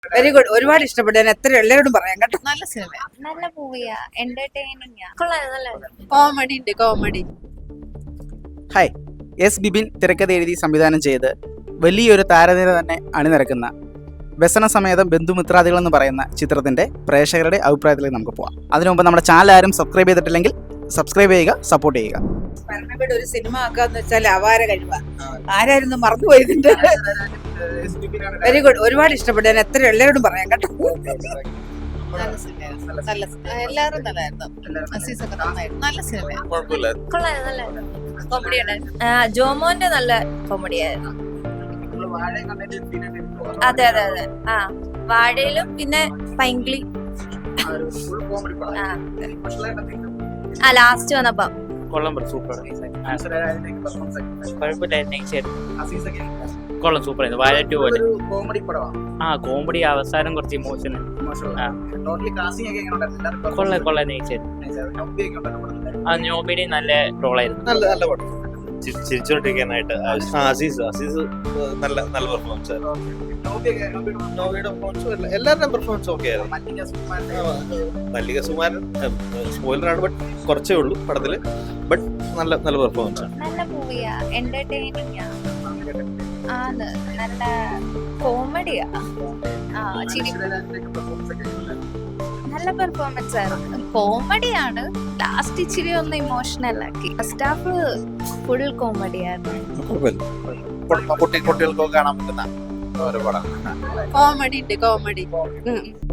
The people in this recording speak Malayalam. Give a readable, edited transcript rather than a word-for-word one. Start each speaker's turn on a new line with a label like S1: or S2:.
S1: Very good. ഒരുപാട് ഇഷ്ടപ്പെട്ടു. ഞാൻ എത്ര എല്ലാവരോടും പറയാം കേട്ടോ.
S2: നല്ല സിനിമ,
S3: നല്ല മൂവിയാ, എന്റർടൈനിങ്.
S2: കോമഡി ഉണ്ട്, കോമഡി.
S4: ഹായ്, എസ് ബിബിൻ തിരക്കഥ എഴുതി സംവിധാനം ചെയ്ത് വലിയൊരു താരനിര തന്നെ അണിനിരക്കുന്ന വ്യസനസമേതം ബന്ധുമിത്രാദികൾ എന്ന് പറയുന്ന ചിത്രത്തിന്റെ പ്രേക്ഷകരുടെ അഭിപ്രായത്തിലേക്ക് നമുക്ക് പോവാം. അതിനു മുമ്പ് നമ്മുടെ ചാനൽ ആരും സബ്സ്ക്രൈബ് ചെയ്തിട്ടില്ലെങ്കിൽ സബ്സ്ക്രൈബ് ചെയ്യുക, സപ്പോർട്ട് ചെയ്യുക.
S1: പരമയുടെ ഒരു സിനിമ ആക്കാന്ന് വെച്ചാൽ അപാര കഴിവാ. ആരായിരുന്നു മറന്നുപോയതിന്റെ. Very good. ഒരുപാട് ഇഷ്ടപ്പെട്ടു. ഞാൻ എത്ര എല്ലാവരോടും പറയാം കേട്ടോ.
S2: നല്ല സിനിമ, നല്ല സിനിമ. എല്ലാവരും നല്ലായിരുന്നു. അസീസൊക്കെ നന്നായിരുന്നു. നല്ല സിനിമ.
S3: കോമഡി ജോമോന്റെ നല്ല കോമഡി ആയിരുന്നു. അതെ അതെ അതെ. ആ വാഴയിലും പിന്നെ പൈങ്കിളി ലാസ്റ്റ് വന്നപ്പോ
S5: കൊള്ളാം, സൂപ്പർ. കൊള്ളാം, സൂപ്പർ ആയിരുന്നു. വാഴ 2 പോലെ. കോമഡി, അവസാനം കുറച്ച് ഇമോഷണൽ. കൊള്ളാം നോബിയുടെ നല്ല റോളായിരുന്നു.
S6: നല്ല പടം, ചിരിച്ചോണ്ടിരിക്കാനായിട്ട്. അസീസ് നല്ല പെർഫോമൻസ് ആയിരുന്നു. നോബിയുടെ പെർഫോമൻസ്, എല്ലാവരുടെയും പെർഫോമൻസ് ഓക്കെ ആയിരുന്നു. മല്ലിക സുമാരൻ സ്പോയിലറാണ്, ബട്ട് കുറച്ചേ ഉള്ളൂ പടത്തില്. ബട്ട് നല്ല പെർഫോമൻസ് ആണ്.
S3: നല്ല മൂവിയാ, എന്റർടൈനിങ് ആണ്, നല്ല കോമഡിയാ. നല്ല പെർഫോമൻസ് ആയിരുന്നു. കോമഡിയാണ്, ലാസ്റ്റ് ഇച്ചിരി ഒന്ന് ഇമോഷണൽ ആക്കി. ഫസ്റ്റ് ഹാഫ് ഫുൾ കോമഡിയായിരുന്നു.
S6: കുട്ടികൾക്കൊക്കെ കാണാൻ പറ്റുന്ന ഒരു പടം.
S2: കോമഡി ഉണ്ട്, കോമഡി.